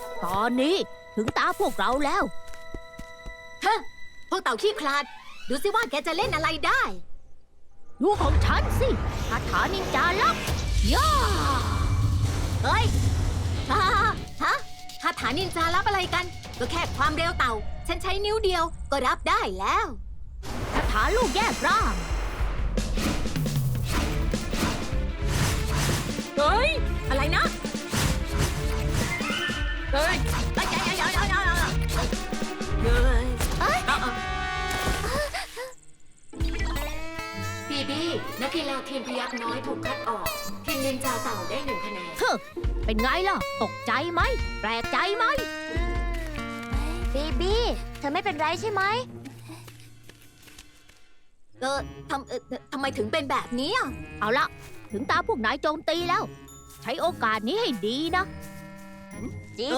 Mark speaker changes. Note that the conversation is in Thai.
Speaker 1: ตอนนี้ถึงตาพวกเราแล้ว
Speaker 2: ฮะ พวกเต่าขี้คลาด ดูสิว่าแกจะเล่นอะไรได้
Speaker 1: ดูของฉันสิคาถานินจาลับย่า
Speaker 2: เฮ้ยฮ่าฮะคาถานินจารับอะไรกัน ก็แค่ความเร็วเต่า ฉันใช้นิ้วเดียวก็รับได้แล้ว
Speaker 1: คาถาลูกแยกร่าง
Speaker 2: เฮ้ย อะไรนะ
Speaker 1: เฮ้ย
Speaker 2: เฮ้ยบีบีนักกีฬาทีมพยักน้อยถูกคัดออก ทีมนินจาเต่าได้1 คะแนน
Speaker 1: เธอเป็นไงล่ะ ตกใจไหม แปลกใจไหม
Speaker 3: บีบี้เธอไม่เป็นไรใช่ไหม
Speaker 2: ทำไมถึงเป็นแบบนี้อ่ะ
Speaker 1: เอาละถึงตาพวกนายโจมตีแล้ว ใช้โอกาสนี้ให้ดีนะ